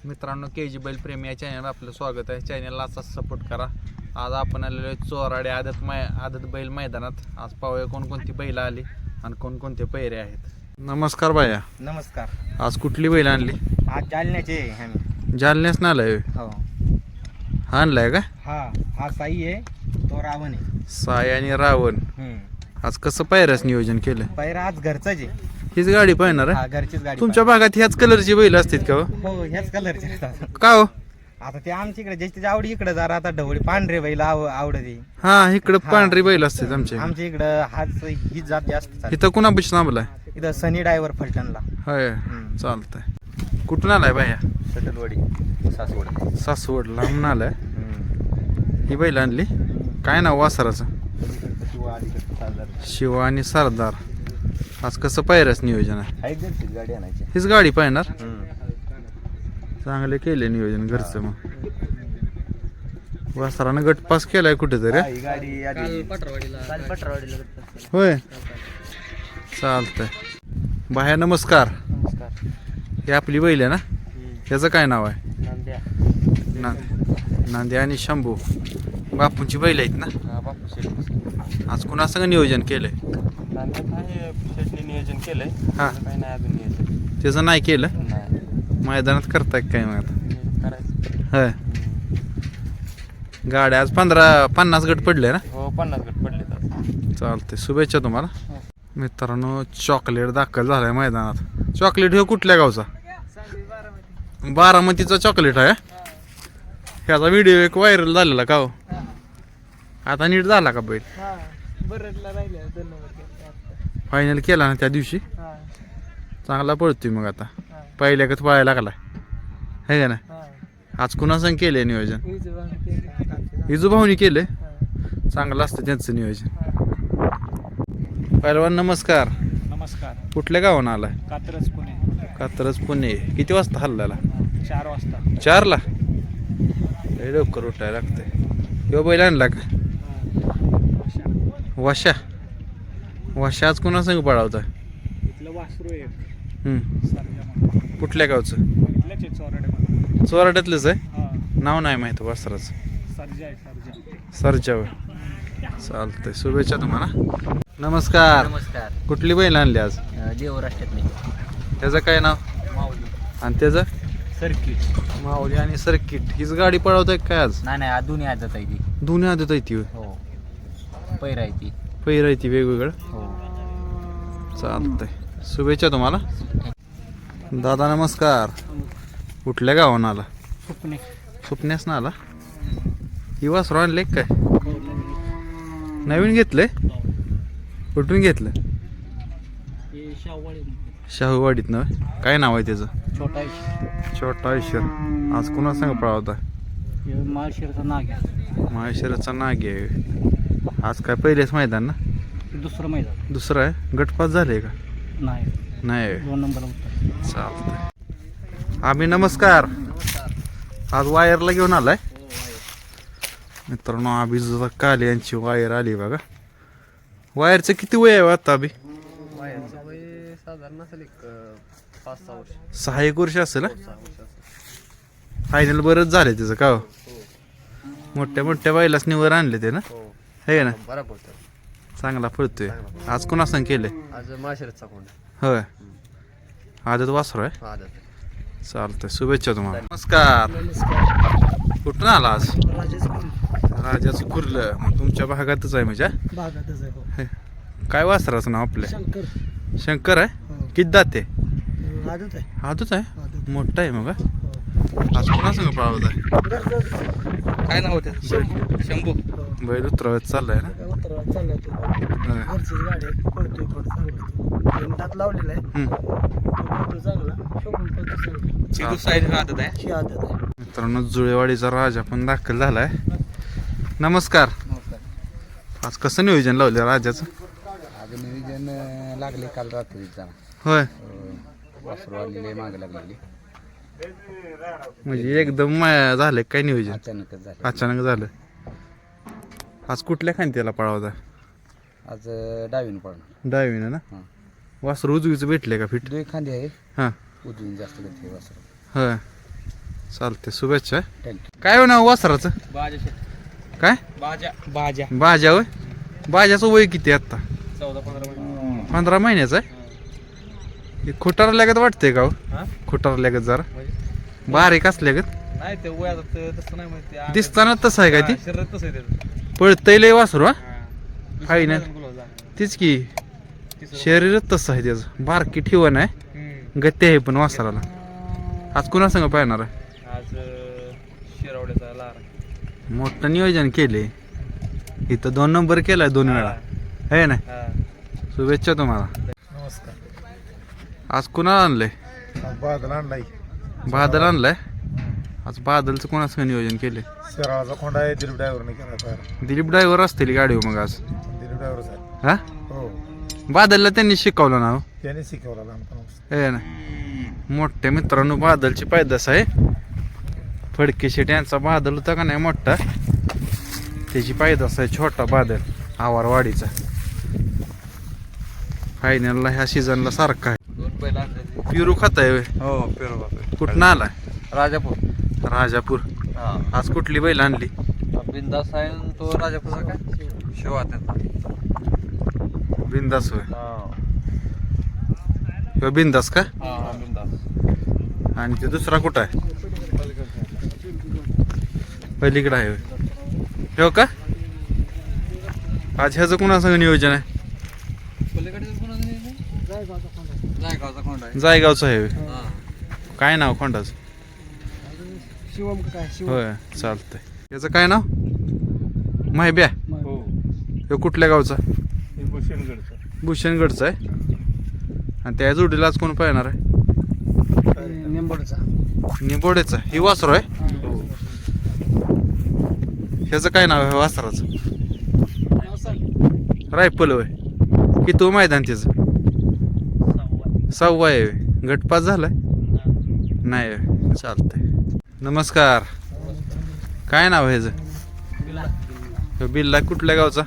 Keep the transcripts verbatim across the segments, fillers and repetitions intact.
मित्रांनो, के जी बैल प्रेमी या चॅनल आपलं स्वागत आहे. चॅनलला असाच सपोर्ट करा. आज आपण आलेलो आहे चोराडे आदत मै आदत बैल मैदानात. आज पाहूया कोणकोणती बैल आली आणि कोणकोणते पैरे आहेत. नमस्कार बाया. नमस्कार. आज कुठली बैल आणली? आज जालन्याचे आहे आम्ही. जालन्यास ना आलाय? हो. हा आणलाय का? हा हा साई आहे, तो रावण आहे. साई आणि रावण. हम्म. आज कसं पायऱ्याच नियोजन केलं? पैरा आज घरचाच आहे. हीच गाडी पाहणार हा आहे? घरचीच गाडी. तुमच्या भागात ह्याच कलरची बैल असतात का हो? हो, ह्याच कलरचे असतात. का हो? आता ते आमच्या इकडे ज्याची आवडी इकडे जरा आता ढवळी पांढरे बैल आव आवडते. हा, इकडं हा. पांढरी बैल असतात आमच्या. आमच्या इकडं हाच ही जात जास्त चालते. इथं कुणापाशी थांबलाय? इथं सनी डायव्हर फलटणला. होय, हम्म. चालतंय. कुठून आलाय बाया? सटलवाडी सासवड. सासवड लांब आलाय. हम्म. ही बैल आणली. काय नाव वासराचं? शिव आणि सरदार. आज कसं पायऱ्याच नियोजन आहे? गाडी आणायची. हीच गाडी पाहणार. चांगले केले नियोजन घरचं. मग वासरानं गट पास केलाय कुठेतरी. होय, चालतंय. बाया नमस्कार. नमस्कार. ही आपली बैल आहे ना? त्याचं काय नाव आहे? नांद्या. ना नांद्या आणि शंभू बापूंची बैल आहेत ना? हा, बापू शेट. आज कुणा संग नियोजन केलंय? नांद्यात आहे, शेटने नियोजन केलंय. हा. काही नाही अजून नियोजन. त्याचं नाही केलं? नाही. मैदानात करताय काय मग आता? नियोजन करायचं. होय. गाड्या आज पंधरा पन्नास गट पडले ना? हो, पन्नास गट पडले तर. चालते. शुभेच्छा तुम्हाला. मित्रांनो, चॉकलेट दाखल झालाय मैदानात. चॉकलेट हे कुठल्या गावचा? बारामतीचा चॉकलेट आहे. ह्याचा व्हिडिओ एक व्हायरल झालेला का हो? आता नीट झाला का बैल? फायनल केला ना त्या दिवशी? चांगला पळतोय मग आता. पहिल्याकच पळायला लागलाय है का ना? आज कुणा संग केलंय नियोजन? इजू भाऊनी केलंय. चांगलं असतं त्यांचं नियोजन. पहिलवान नमस्कार. नमस्कार. कुठल्या गावानं आलाय? कात्रज पुणे. कात्रज पुणे. किती वाजता हल्ल्याला? चार वाजता. चारला? लय लवकर उठायला लागतंय. किंवा बैल आणला का? वाशा. वाशा आज कोणा संग पळावता? इथलं वासरू आहे. हम्म. कुठल्या गावचं? इथलंच आहे, चोराडे. चोराड्यातलंच आहे. हा. नाव नाही माहिती वासराचं. सर्जा आहे, सर्जा. सरच्यावर. चालतंय. शुभेच्छा तुम्हाला. नमस्कार. नमस्कार. कुठली बैल आणली आज? देवराष्ट्रातली त्याचं काय नाव? माऊली. आणि त्याचं? सर्किट. माऊली आणि सर्किट. हीच गाडी पळवताय काय आज? नाही नाही, दोन्ही आदत आहे ती. दोन्ही आदत आहे ती. हो, पैर आहे ती. पहिर आहे ती वेगवेगळं. हो. चालतंय. शुभेच्छा तुम्हाला. दादा नमस्कार. कुठल्या गावानं आला? सुपणे. सुपण्यास ना आला. ही वासरू आणले काय? नवीन घेतलंय? कुठून घेतलं? शाहूवाडीत ना? काय नाव आहे त्याचं? छोटा आहे. छोटा आयुष्यर. आज कुणा सांग पळावता? माळशिरचा नाग आहे. माहेश्वराचा नाग आहे. आज काय पहिलेच मैदान ना? दुसरं मैदान. दुसरं आहे. गटपास झाले का? नाही, नाही. दोन नंबर उत्तर. चालतंय. आम्ही नमस्कार. आज वायरला घेऊन आलाय मित्रांनो. आम्ही जुदा काल यांची वायर आली बघा. वायरचं किती वय आहे आता? अभि साधारण असेल एक पाच सहा वर्ष. सहा एक वर्ष असेल ना? फायनल बरंच झाले त्याचं का हो? मोठ्या मोठ्या बायलाच निवर आणले ते ना? हे ना? बरोबर. चांगला पळतोय. आज कोणा सांग केलंय? आज माळशिरचा कोण? होय. आदत वासरू आहे. आदत. चालतंय. शुभेच्छा तुम्हाला. नमस्कार. कुठून आला आज? राजाचं कुर्लं. मग तुमच्या भागातच आहे म्हणजे? भागातच आहे. हो. काय वासराचं नाव आपल्या? शंकर. शंकर आहे. किती दाते? आदत आहे. आदच आहे. मोठा आहे मग. आज कोणा संग पळावत आहे? काय नाव होतं? शंभू. बैल उतरवत चाललाय ना? चाललाय तो. घरचीच गाडी आहे. पळतोय पण चांगला. दात लावलेला आहे. पळतो चांगला. शोभून पळतो चांगला. साईड आदत आहे. ही आदत आहे. मित्रांनो, जुळेवाडीचा राजा पण दाखल झालाय. नमस्कार. नमस्कार. आज कसं नियोजन लावलं राजाचं? आज नियोजन लागले काल रात्रीचा. होय. वासरू आलेले मागे लागलेली. म्हणजे एकदम मा- झालं काय नियोजन? अचानकच झाले. अचानक झालं. आज कुठल्या खांद्याला पळावता? आज डावीन पडणार. डावीनं ना? हां. वासरू उजवीचं भेटले का फिट? दोन खांदे आहे. हां. उजवीन जास्त घेतले वासरू. होय. चालते शुभेच्छा. थँक्यू. काय हो नाव वासराचं बाजा काय बाजा बाजा बाजा होय. बाजाचं वय किती आहे आता? चौदा पंधरा मिनिट. पंधरा महिन्याचं आहे. हे खुटार लागत वाटतंय का हो? हा खुटार लागत जरा बारीक असल्यागत नाही ते वयात तसं नाही माहिती. दिसताना तसं आहे काय ती? शरीर तसं आहे त्याचं. पळतय लय वासरू हा. हा. हाय ना. तीच की शरीरच तसं आहे त्याचं. बारकी ठेवण आहे हम्म. गती आहे पण वासराला. आज कुणा संग पाहणार आहे? आज अं, शिरावड्याचा लार. मोठं नियोजन केले. इथं दोन नंबर केलाय दोन वेळा आहे ना. हा. शुभेच्छा तुम्हाला. नमस्कार. आज कुणाला आणलंय? बादल आणलाय. बादल आणलाय. आज बादलचं कोणाचं नियोजन केले? शिराळाचा खोंडा आहे. दिलीप ड्रायव्हरने केला तयार. दिलीप ड्रायव्हर असतील गाडी मग आज दिलीप ड्रायव्हर साहेब. हा. हो बादलला त्यांनी शिकवलं ना हो. त्याने शिकवला लहानपणापासून. आहे ना. मोठ्या मित्रांनो बादलची पायदास आहे. फडके शेट यांचा बादल होता का नाही मोठा, त्याची पायदास आहे छोटा बादल आवारवाडीचा. फायनलला ह्या सीझनला सारखा आहे. दोन पहिला आणले. पिरू खात आहे. हो पेरो बापे. कुठनं आलाय? राजापूर. राजापूर. हा. आज कुठली बैल आणली? बिंदास आहे आणि तो राजापूरचा काय शिवा त्याचा. बिंदास होय. हा. ह्यो बिंदास का? हा बिंदास. आणि ते दुसरा कुठं आहे? पलीकडं आहे होय. ह्यो का? आज ह्याचं कुणासंग नियोजन आहे? जायगावचा खोंडा आहे. जायगावचं आहे होय. हा. काय नाव खोंडाचं? शिवम काय होय चालतंय. याचं काय नाव? माहिब्या. हो. ह्यो कुठल्या गावचा? भूषणगडचा. भूषणगडचा आहे. आणि त्या जोडीला आज कोण पाहणार आहे? निंबोडचा. निंबोडेचा. ही वासरू आहे. हो. ह्याचं काय नाव आहे वासराचं? रायफल होय. की तो मैदान त्याचं सहावा आहे होय. गटपास झालाय नाही होय. चालतंय. नमस्कार. काय नाव आहे ह्याचं? ह्यो बिल्ला कुठल्या गावचा?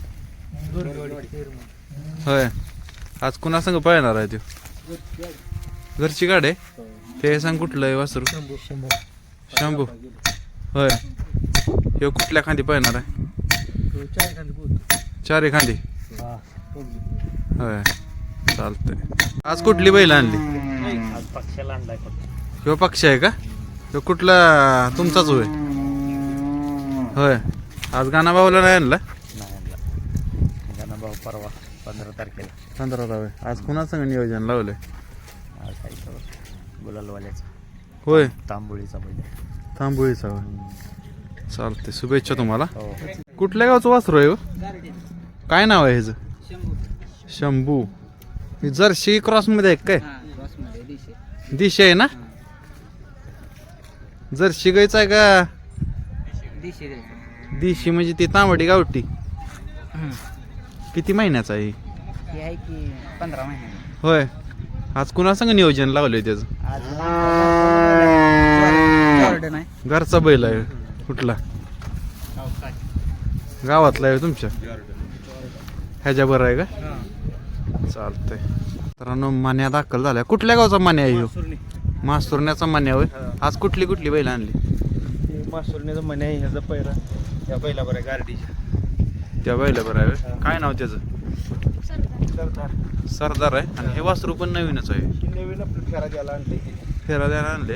होय. आज कुणा संग पळणार आहे तो? घरची गाडी आहे. ते सांग कुठलं आहे वासरू? शंभू. होय. ह्यो कुठल्या खांदी पळणार आहे? चार खांदी. होय चालतंय. आज कुठली बैल आणली? पक्षाला आणलाय. ह्यो पक्ष आहे का? ह्यो कुठला तुमचाच होय? होय. आज गाणा भाऊला नाही आणला? नाही आणला. गाणा भाऊ परवा पंधरा तारखेला. पंधरा होय. आज कुणासंग नियोजन लावलंय? आज काही गुलालवाल्याचा. होय. तांबोळीचा बैल. तांबोळीचा होय. चालते. शुभेच्छा तुम्हाला. हो. कुठल्या गावचं वासरू आहे हो? काय नाव आहे ह्याचं? शंभू. ही जर्सी क्रॉस मध्ये आहे काय? दिशा आहे ना. जर्सी गायचं आहे का? दिशी म्हणजे ती तांबडी गावठी. किती महिन्याचा आहे? आहे की पंधरा महिने. होय. आज कुणासंग नियोजन लावलंय त्याचं? घरचा बैल आहे. कुठला? गावातला आहे तुमच्या? ह्याच्या बरं आहे का? चालतंय. मित्रांनो मान्या दाखल झाल्या. कुठल्या गावचा मान्या आहे ह्यो? मासुरण्याचा मान्या होय. आज कुठली कुठली बैल आणली? मासुरण्याचा मने आहे. ह्याचा पहिला त्या पहिला बरं गार्डीच्या. त्या बैला बरं आहे होय. काय नाव त्याचं? सरदार. सरदार आहे. आणि हे वासरू पण नवीनच आहे. नवीन आपलं फेरा द्यायला आणले. फेरा द्यायला आणले.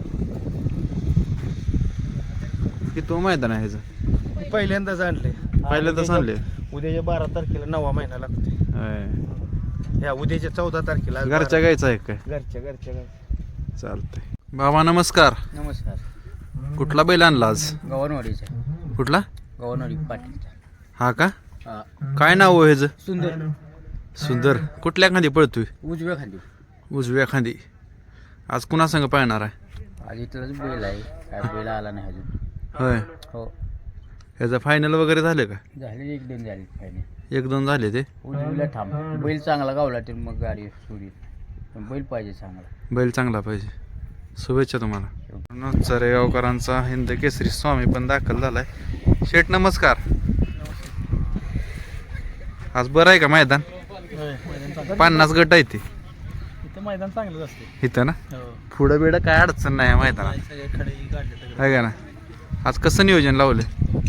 की तो मैदान आहे ह्याचं? पहिल्यांदाच आणले. पहिल्यांदाच आणले. उद्याच्या बारा तारखेला नववा महिना लागतो. होय. ह्या उद्याच्या चौदा तारखेला. घरच्या गायचं आहे काय? घरच्या घरच्या घरच्या. चालतंय. बाबा नमस्कार. नमस्कार. कुठला बैल आणला आज? गव्हाणवाडीचा. कुठला? गव्हाणवाडी पाटीलचा. हा का? हा. काय नाव हो ह्याचं? सुंदर. सुंदर. कुठल्या खांदी पळतोय? उजव्या खाली. उजव्या खांदी. आज कुणा संग पाहणार आहे? आज इथलाच बैल आहे. काय बैल आला नाही अजून. होय. हो. ह्याचं फायनल वगैरे झालं का? झाले एक दोन झाले फायनल. एक दोन झाले ते. उजवीला थांब. बैल चांगला गावला तर मग गाडी सोडी. पण बैल पाहिजे चांगला. बैल चांगला पाहिजे. शुभेच्छा तुम्हाला. चरेगावकरांचा हिंद केसरी स्वामी पण दाखल झालाय. शेठ नमस्कार. आज बरं आहे का मैदान? पन्नास गट आहे ते. मैदान चांगलंच असते इथं ना हो पुढं बिडं काय अडचण नाही आहे मैदानात सगळे खडे काढले आहे का ना आज कसं नियोजन लावलं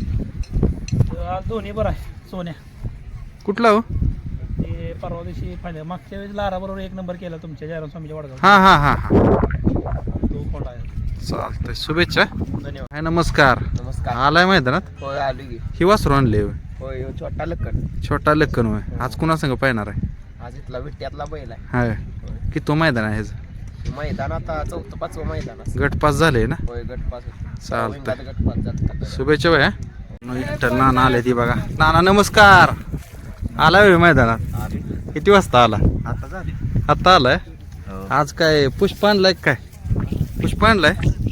आज दोन्ही बरं आहे सोन्या कुठला हो ते परवा दिवशी फायनल मागच्या वेळेस लारा बरोबर एक नंबर केला तुमच्या जयराम स्वामीच्या वडगाव हां हां हां हां तो खोला आहे चालतंय शुभेच्छा धन्यवाद हाय नमस्कार नमस्कार आलाय मैदानात होय आलो की ही वासरू आणले होय. होय छोटा लक्कड छोटा लक्कन होय आज कुणा संग पाहणार आहे आज इथला विट्यातला बैल आहे हाय की तो मैदान आहे ह्याचं मैदान आता चौथं पाचवं मैदान असं गट पास झाले ना होय गटपास चालतंय गटपास जातात शुभेच्छा भया विठ्ठल नाना आले ती बघा नाना नमस्कार आलाय होय मैदानात किती वाजता आला आता झाले आत्ता आलाय आज काय पुष्प आणलाय काय पुष्प आणलाय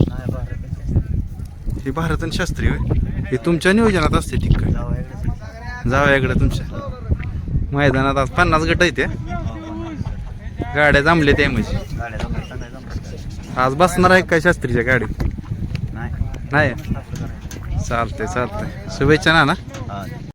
ही भारतन शास्त्री होय हे तुमच्या नियोजनात असते ठीक काय जाऊया इकडे तुमच्या मैदानात आज पन्नास गट आहेत त्या गाड्या जमल्या त्या म्हणजे आज बसणार आहे काय शास्त्रीच्या गाडी नाही चालतंय चालतंय शुभेच्छा नाना